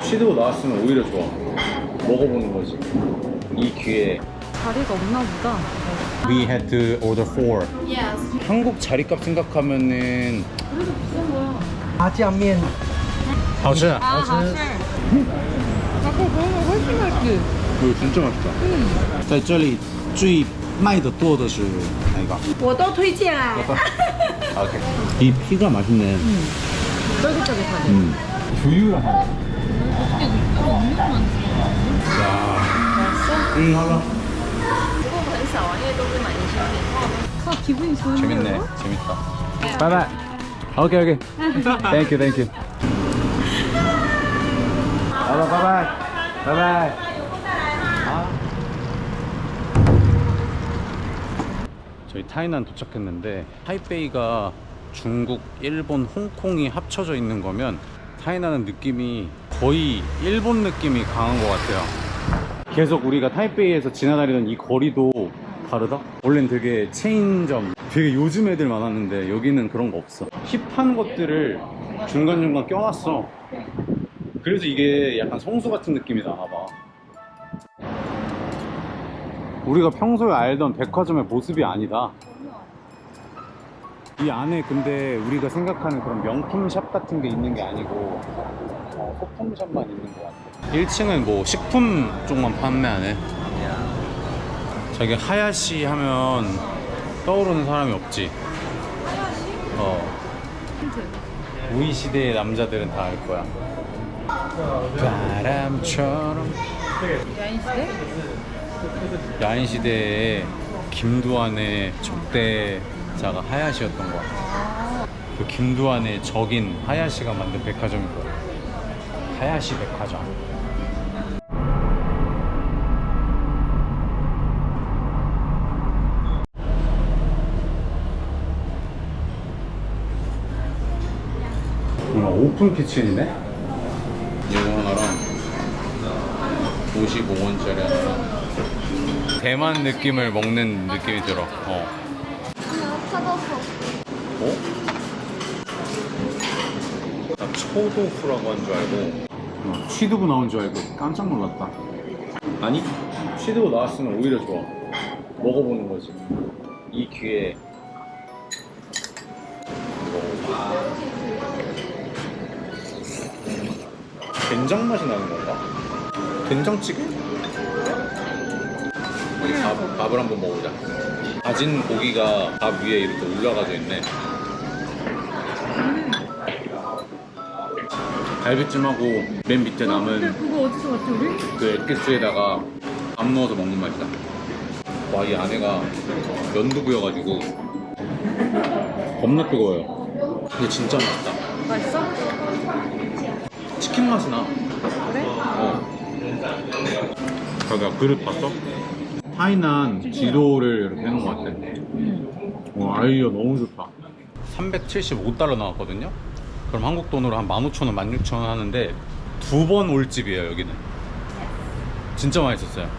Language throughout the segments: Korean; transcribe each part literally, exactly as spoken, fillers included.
취두부 나왔으면 오히려 좋아. 먹어보는 거지. 이 기회에. 자리가 없나 보다. We had to order four. Yes. 한국 자리값 생각하면은 그래도 비싼 거야. 麻酱面好吃. 아, 하실. 아까 그거는 훨씬 맛있지. 이거 진짜 맛있다. 在这里最卖的多的是哪个？ 我都推荐啊. 오케이. 이 피가 맛있네. 쫄깃쫄깃하지. 음. 두유랑 하네. 어떻게 육수가 엄청 많지? 야. 맛있어? 응, 하나. 不过很少啊，因为都是买一些点。아, 기분이 좋은데요? 재밌네. 재밌다. 바이바이. 오케이, 오케이. 땡큐, 땡큐. 바이바이, 바이바이. 바이바이. 아. 저희 타이난 도착했는데 타이베이가 중국, 일본, 홍콩이 합쳐져 있는 거면 타이난은 느낌이 거의 일본 느낌이 강한 것 같아요. 계속 우리가 타이베이에서 지나다니던 이 거리도 다르다? 원래는 되게 체인점, 되게 요즘 애들 많았는데 여기는 그런 거 없어. 힙한 것들을 중간중간 껴놨어. 그래서 이게 약간 성수 같은 느낌이 나나봐. 우리가 평소에 알던 백화점의 모습이 아니다. 이 안에 근데 우리가 생각하는 그런 명품 샵 같은 게 있는 게 아니고 어, 소품 샵만 있는 것 같아. 일 층은 뭐 식품 쪽만 판매하네. 저기 하야시 하면 떠오르는 사람이 없지. 어. 우이 시대의 남자들은 다 알 거야. 바람처럼. 야인시대? 야인시대에 김두한의 적대자가 하야시였던 것 같아. 그 김두한의 적인 하야시가 만든 백화점일 거야. 하야시 백화점. 뭔가 오픈 키친이네? 이거 하나랑 오십오 원짜리 하나랑 대만 느낌을 먹는 느낌이 들어. 어? 어? 나 초도후라고 한 줄 알고 어, 취두부 나온 줄 알고 깜짝 놀랐다. 아니, 취두부 나왔으면 오히려 좋아. 먹어보는 거지. 이 기회에. 먹어보자. 된장 맛이 나는 건가? 된장찌개? 우리 밥, 밥을 한번 먹어보자. 다진 고기가 밥 위에 이렇게 올라가져 있네. 갈비찜하고 맨 밑에 남은 그거 어디서 봤지 우리? 그 액기스에다가 밥 넣어서 먹는 맛이다. 와, 이 안에가 연두부여가지고 겁나 뜨거워요. 근데 진짜 맛있다. 맛있어? 치킨 맛이 나. 그래? 어. 자기야, 그릇 봤어? 타이난 지도를 이렇게 해놓은 것 같아. 와, 아이디어 너무 좋다. 삼백칠십오 달러 나왔거든요? 그럼 한국 돈으로 한 만 오천 원, 만 육천 원 하는데 두 번 올 집이에요, 여기는. 진짜 맛있었어요.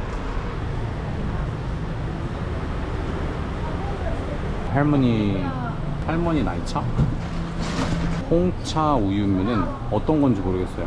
할머니, 할머니 나이차? 홍차 우유면은 어떤 건지 모르겠어요.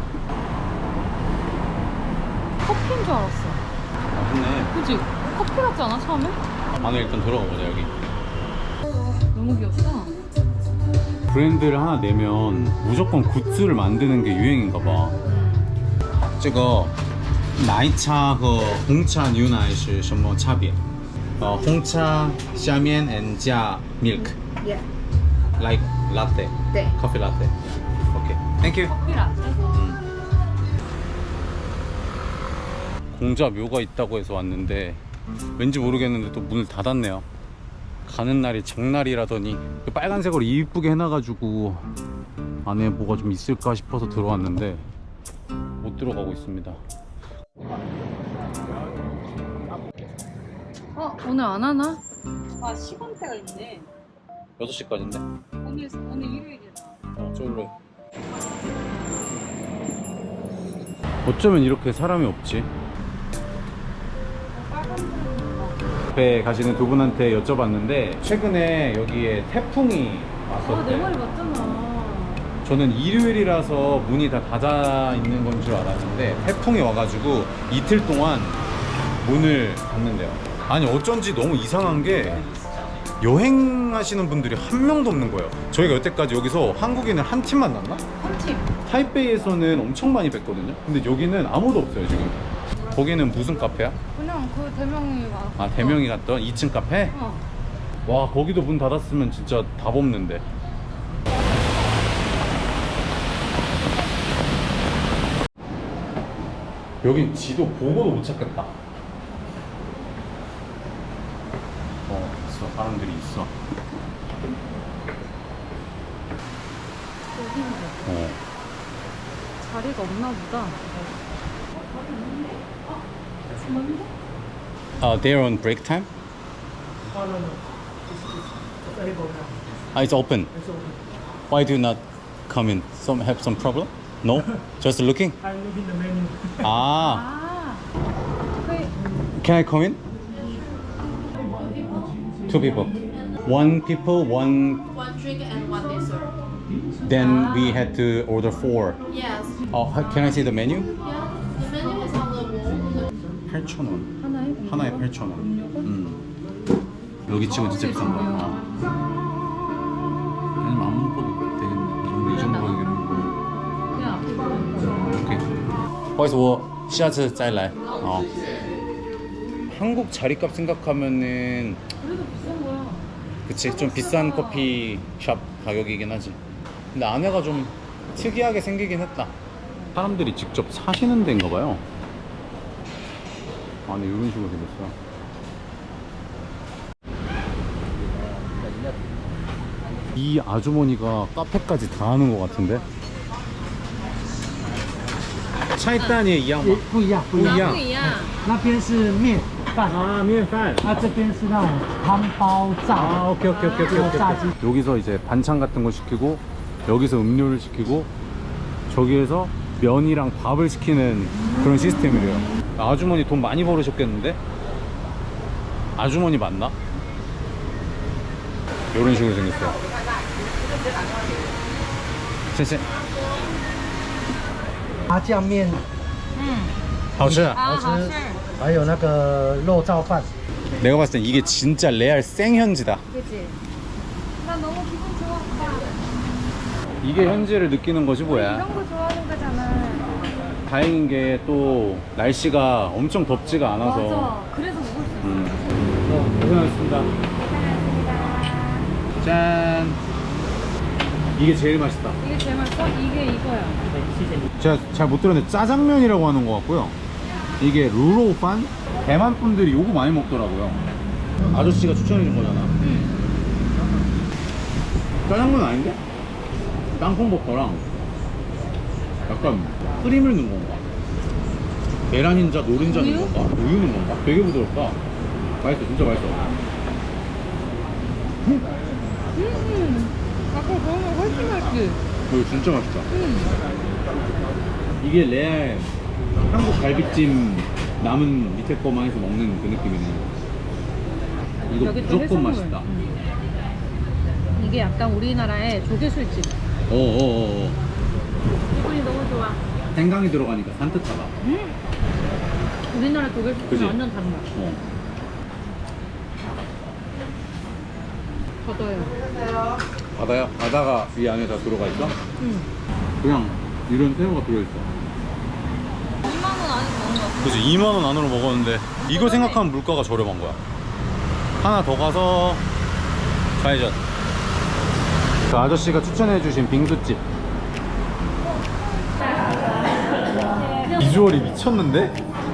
커피인 줄 알았어. 맛있네. 그치? 커피 같지 않아 처음에? 안에 일단 들어가 보자, 여기. 너무 귀엽다. 브랜드를 하나 내면 무조건 굿즈를 만드는 게 유행인가 봐. 这个奶茶和红茶牛奶是什么差别？呃，红茶下面 and 加 milk 예. like latte. 네. Coffee latte. Okay. Thank you. 커피 라떼? 공자 묘가 있다고 해서 왔는데 왠지 모르겠는데 또 문을 닫았네요. 가는 날이 장날이라더니 빨간색으로 이쁘게 해놔가지고 안에 뭐가 좀 있을까 싶어서 들어왔는데 못 들어가고 있습니다. 어? 오늘 안 하나? 아 시간대가 있네. 여섯 시까지인데? 오늘 오늘 일요일이잖아. 어, 저걸로. 어쩌면 이렇게 사람이 없지? 앞에 가시는 두 분한테 여쭤봤는데 최근에 여기에 태풍이 아, 내 왔었대. 말이 맞잖아. 저는 일요일이라서 문이 다 닫아 있는 건 줄 알았는데 태풍이 와가지고 이틀 동안 문을 닫는데요. 아니 어쩐지 너무 이상한 게 여행하시는 분들이 한 명도 없는 거예요. 저희가 여태까지 여기서 한국인을 한 팀 만났나? 한 팀. 타이베이에서는 엄청 많이 뵀거든요. 근데 여기는 아무도 없어요 지금. 거기는 무슨 카페야? 그냥 그 대명이 와. 아 대명이 갔던 이 층 카페? 어. 와 거기도 문 닫았으면 진짜 답 없는데. 여긴 지도 보고도 못 찾겠다. 어 있어, 사람들이 있어. 어. 자리가 없나 보다. Uh, they're on break time? Ah, it's open. Why do you not come in? Some have some problem? No? Just looking? I'm looking the menu. Ah, 아. 그 can I come in? Two people. One people, one. One drink and one dessert. Then we had to order four. Yes. Oh, can I see the menu? Yeah. The menu is on the wall. 팔천 원. 하나에 하나에 팔천 원. 음. 여기 치고 진짜 비싼 거야. 어. 아니면 안 먹어도 되겠네. 이 정도 가격이면. 그냥 앞에 먹는 거야. 오케이. 不好意思，我下次再来。哦。 한국 자리값 생각하면은 그래도 비싼 거야. 그치 좀 비싼 커피숍 가격이긴 하지. 근데 안에가 좀 특이하게 생기긴 했다. 사람들이 직접 사시는 데인가 봐요. 안에 이런 식으로 생겼어. 이 아주머니가 카페까지 다 하는 것 같은데? 차이단이 이양 不一样，不一样。 이양. 不一样。 那边是面饭， 아, 面饭. 啊，这边是那种汤包炸， 아, 오케이, 오케이, 오케이, 오케이, 오케이. 炸鸡。 여기서 이제 반찬 같은 거 시키고, 여기서 음료를 시키고, 저기에서 면이랑 밥을 시키는 그런 시스템이래요. 아주머니 돈 많이 벌으셨겠는데? 아주머니 맞나? 이런 식으로 생겼어요.谢谢. 麻酱面嗯。 好吃. 啊，好吃。 还有那个肉燥饭。 내가 봤을 땐 이게 진짜 레알 생현지다. 그치? 나 너무 기분 좋아. 오빠. 이게 현지를 느끼는 것이 뭐야. 이런 거 좋아하는 거잖아. 다행인 게 또 날씨가 엄청 덥지가 않아서. 맞아. 그래서 먹을 수 있어. 음. 어, 고생하셨습니다. 짠. 이게 제일 맛있다. 이게 제일 맛있어? 이게 이거야. 제가 잘 못 들었는데 짜장면이라고 하는 것 같고요. 이게 루로판? 대만 분들이 요거 많이 먹더라고요. 아저씨가 추천해준 거잖아. 응. 짜장면 아닌데? 땅콩버터랑 약간 크림을 넣은 건가? 계란 흰자, 노른자 넣은 우유? 건가? 우유 넣은 건가? 되게 부드럽다. 맛있어, 진짜 맛있어. 음. 아까 그런 거 훨씬 맛있지? 이거 진짜 맛있다. 응. 이게 레알 한국 갈비찜 남은 밑에 거만 해서 먹는 그 느낌이네. 이거 여기 또 무조건 해산물. 맛있다. 음. 이게 약간 우리나라의 조개술집. 어어어어. 기분이 너무 좋아. 생강이 들어가니까 산뜻하다. 음. 우리나라 그치? 조개술집은 완전 다른 맛. 어. 걷어요. 바다야? 바다가 이 안에 다 들어가 있어? 응. 그냥 이런 새우가 들어있어. 이만 원 안에 먹는 거. 그치, 이만 원 안으로 먹었는데 이거 생각하면 물가가 저렴한 거야. 하나 더 가서 좌회전. 그 아저씨가 추천해주신 빙수집. 비주얼이 미쳤는데?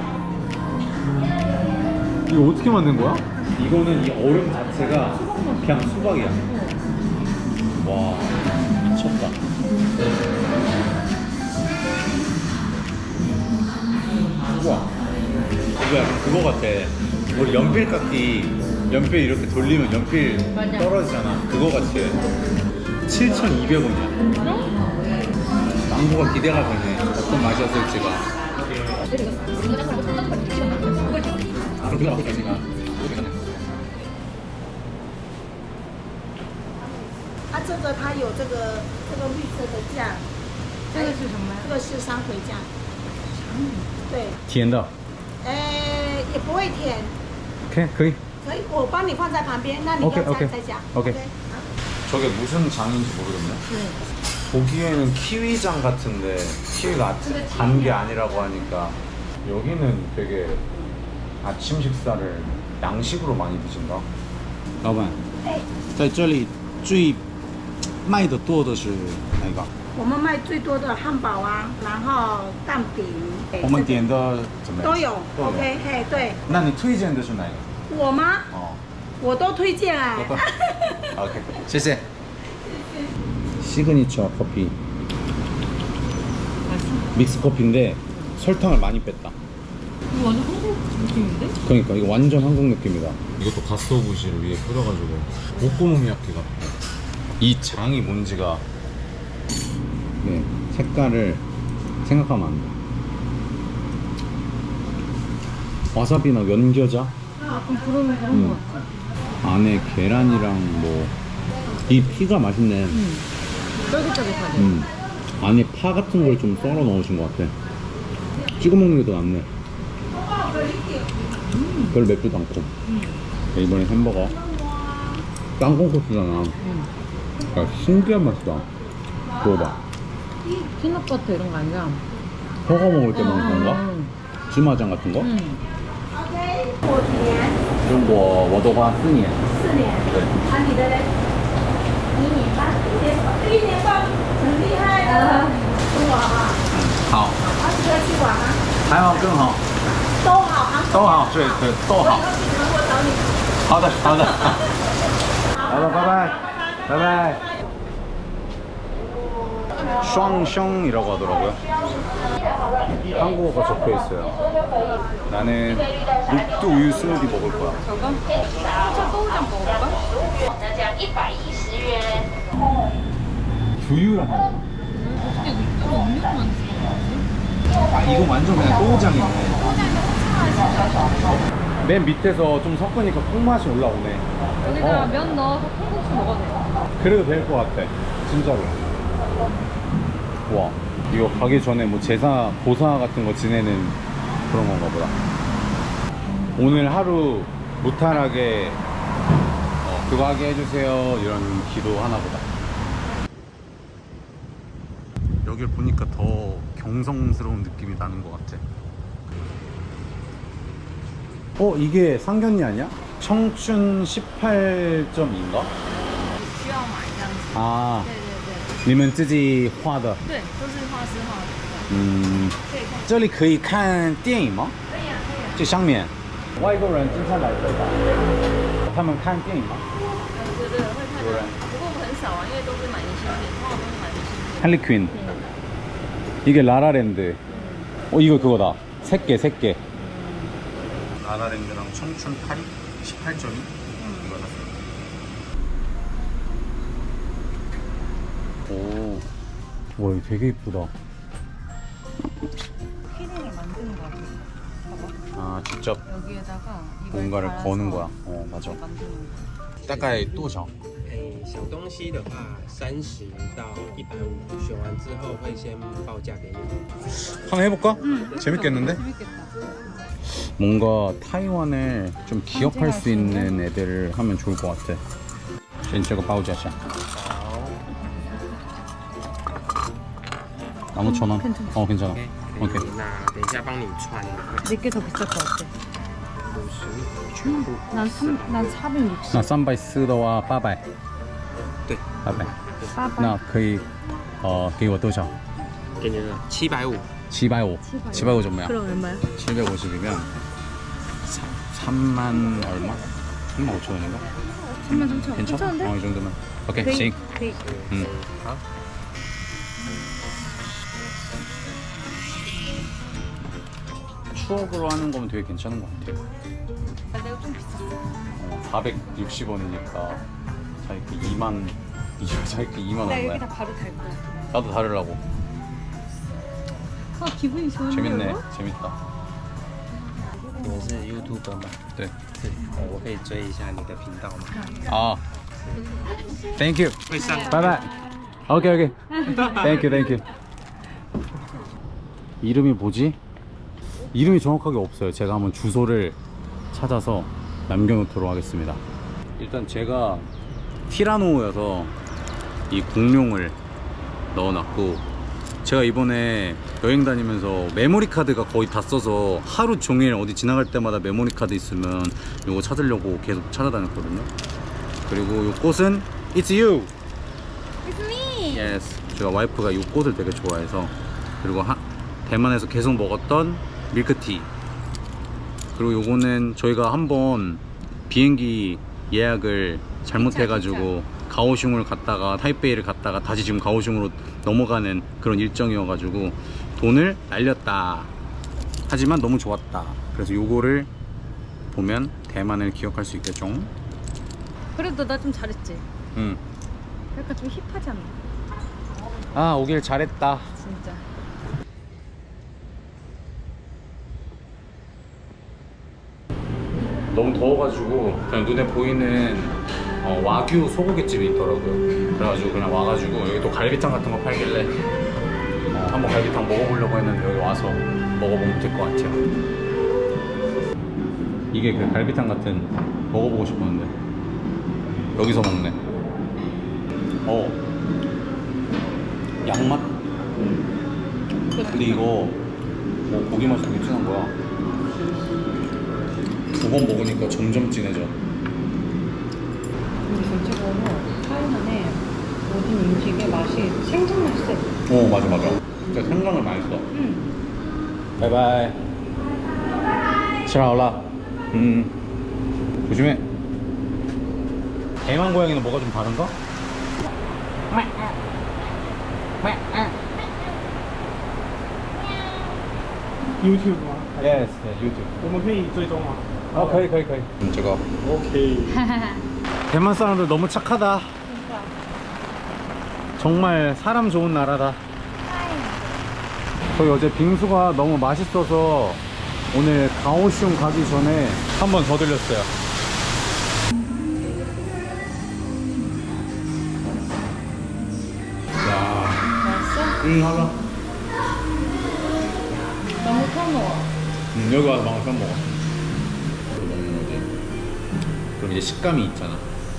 이거 어떻게 만든 거야? 이거는 이 얼음 자체가 그냥 수박이야. 와, 미쳤다. 우와. 이거 약간 그거 같아. 우리 연필 깎기, 연필 이렇게 돌리면 연필 맞아. 떨어지잖아. 그거 같이. 칠천이백 원이야. 망고가 기대가 되네. 어떤 맛이었을지가. 아, 그거 맛있으니까. 这个它有这个这个绿色的酱， 这个是什么呀？ 这个是山葵酱。对， 甜的。 呃，也不会甜， OK， 可以。 可以，我帮你放在旁边，那你要 OK 再 OK 再加。 OK. 아, 저게 무슨 장인지 모르겠네. 보기에는 키위장 같은데 키위가 단 게 아니라고 하니까 여기는 되게 아침 식사를 양식으로 많이 드신다. 老板，在这里最卖的多的是哪个？ 我们卖最多的汉堡啊，然后蛋饼， 我们点的怎么样？ 都有。 都有 OK，嘿，对， 那你推荐的是哪一个？ 我吗？ 哦， 我都推荐哎。 OK， 谢谢。 시그니처 커피. 믹스 커피인데 설탕을 많이 뺐다. 이거 완전 한국 느낌인데? 그러니까 이거 완전 한국 느낌이다. 이것도 가스오부시를 위에 뿌려가지고 오코노미야키 같아. 이 장이 뭔지가 네, 색깔을 생각하면 안 돼. 와사비나 연겨자? 약간 그런 그런 음. 거 같아. 안에 계란이랑 뭐 이 피가 맛있네. 음. 쫄깃쫄깃하지. 음. 안에 파 같은 걸 좀 썰어 넣으신 것 같아. 찍어 먹는 게 더 낫네. 음. 별로 맵지도 않고. 음. 이번에 햄버거. 땅콩 소스잖아. 음. 야, 신기한 맛이다. 먹어봐. 피넛버터 이런 거 아니야? 허거 먹을 때 먹는 건가? 음. 즈마장 같은 거? 음. 我几年？ 中国我的话四年。 四年。 对。 啊，你的嘞？一年半，一年半，一年半，很厉害的。跟我好不好？ 好。 二十个去玩吗？ 还好更好。 都好啊。 都好，对对都好。 我以后去韩国找你。 好的好的。好了，拜拜，拜拜。샹숑이라고 하더라고요. 한국어가 적혀 있어요. 나는 녹두 우유 스무디 먹을 거야. 저거? 차 또우장 먹을까? 두유랑 하는 거. 어떻게 육두로 음료만 쓰는 아 이거 완전 그냥 또우장이네. 맨 밑에서 좀 섞으니까 콩맛이 올라오네. 여기다 어. 면 넣어서 콩국수 먹어도 돼. 그래도 될 것 같아. 진짜로. 와, 이거 가기 전에 뭐 제사, 보사 같은 거 지내는 그런 건가 보다. 오늘 하루 무탈하게 어, 그거 하게 해주세요 이런 기도 하나 보다. 여길 보니까 더 경성스러운 느낌이 나는 것 같아. 어, 이게 상견례 아니야? 청춘 십팔 점 이인가? 需要买这样子。 아, 对对对。 你们自己画的？ 对，都是画师画的。 嗯， 可以看。 这里可以看电影吗？ 可以啊，可以啊。 这上面，外国人经常来这吧？他们看电影吗？ 对对，会看有人到。不过很少啊，因为都是买明信片，通常都是买明信片。 할리퀸. 이게 라라랜드. 어, 이거 그거다. 세 개, 세 개. 라라랜드랑 청춘 팔이 십팔 점이 이거 샀어. 오, 와, 이거 되게 이쁘다. 키링을 만드는 거 같아. 아, 직접 여기에다가 이걸 뭔가를 달아서 거는 거야. 어, 맞아. 만드는 거. 大概多少？ 诶，小东西的话，三十到一百五，选完之后会先报价给你。 한번 해볼까? 재밌겠는데? 재밌겠다. 뭔가 타이완을 좀 기억할 수 있는 애들을 하면 좋을 것 같아. 先这个报价下 나무 천 원. 어, 괜찮아. 可 오케이. 以，那等一下帮你穿， 내게 더 비쌀 것 같아. 五十全部。 난 삼, 난 사백육십. 那三百四的话，八百。 对， 八百。 八百。 那可以，呃，给我多少？ 给你了七百五。 七百五。七百五怎么样？ 그럼 얼마야? 칠백오십이면 삼만 얼마? 삼만 오천 원인가? 삼만 삼천 원. 괜찮아? 괜찮은데? 어, 이 정도면. 오케이, 그이- 씩. 그이- 음. 好， 추억으로 하는 거면 되게 괜찮은 것 같아요. 내가 좀 비쌌어. 어, 사백육십 원이니까 자이크 이만, 이거 자이크 이만 나 얼마야? 여기다 바로 달 거야. 나도 다르려고. 아 기분이 좋은데. 재밌네, 이거? 재밌다. 你是 YouTuber 吗？ 对， 对，呃我可以追一下你的频道吗？ 아, Thank you. 会上 Bye bye. 오케이 오케이. Thank you, thank you. 이름이 뭐지? 이름이 정확하게 없어요. 제가 한번 주소를 찾아서 남겨놓도록 하겠습니다. 일단 제가 티라노여서 이 공룡을 넣어놨고, 제가 이번에 여행 다니면서 메모리 카드가 거의 다 써서 하루 종일 어디 지나갈 때마다 메모리 카드 있으면 이거 찾으려고 계속 찾아다녔거든요. 그리고 이 꽃은 It's you. It's me. Yes. 제가 와이프가 이 꽃을 되게 좋아해서. 그리고 하, 대만에서 계속 먹었던 밀크티. 그리고 요거는 저희가 한번 비행기 예약을 잘못해가지고 가오슝을 갔다가 타이베이를 갔다가 다시 지금 가오슝으로 넘어가는 그런 일정이어가지고 돈을 날렸다. 하지만 너무 좋았다. 그래서 요거를 보면 대만을 기억할 수 있겠죠. 그래도 나 좀 잘했지. 응. 약간 좀 힙하지 않나? 아, 오길 잘했다. 진짜. 너무 더워가지고 그냥 눈에 보이는 어, 와규 소고기집이 있더라고요. 그래가지고 그냥 와가지고 여기 또 갈비탕 같은 거 팔길래 어, 한번 갈비탕 먹어보려고 했는데 여기 와서 먹어보면 될 것 같아요. 이게 그 갈비탕 같은 먹어보고 싶었는데 여기서 먹네. 어 양맛? 근데 이거 뭐 고기 맛이 되게 진한 거야. 두 번 먹으니까 점점 진해져. 근데 전체적으로 타이난의 모든 음식의 맛이 생선 맛이 세. 어 맞아 맞아. 진짜 생강을 많이 써. 응. 바이바이. 吃好了. 음. 조심해. 대만 고양이는 뭐가 좀 다른가? YouTube 吗？ Yes, YouTube. 我们可以追踪吗 아, 可以可以可以. 제가 ？OK。 대만 사람들 너무 착하다. 정말 사람 좋은 나라다. 저희 어제 빙수가 너무 맛있어서 오늘 가오슝 가기 전에 한 번 더 들렸어요. 야, 맛있어? 응, 하자. 너무 편워. 음, 여기 와서 망을 처음 먹어. 이거 먹는 거지. 그럼 이제 식감이 있잖아.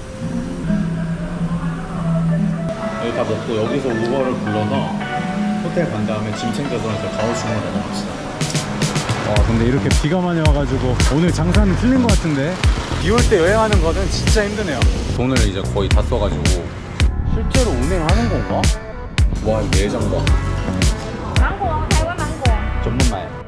여기 다 먹고 여기서 우버를 불러서 호텔 간 다음에 짐 챙겨서 해서 가오슝으로 넘어갑시다. 와, 근데 이렇게 비가 많이 와가지고 오늘 장사는 틀린 것 같은데 비 올 때 여행하는 거는 진짜 힘드네요. 돈을 이제 거의 다 써가지고 실제로 운행하는 건가? 와, 이 내장 봐. 망고,台湾망고. 전문말.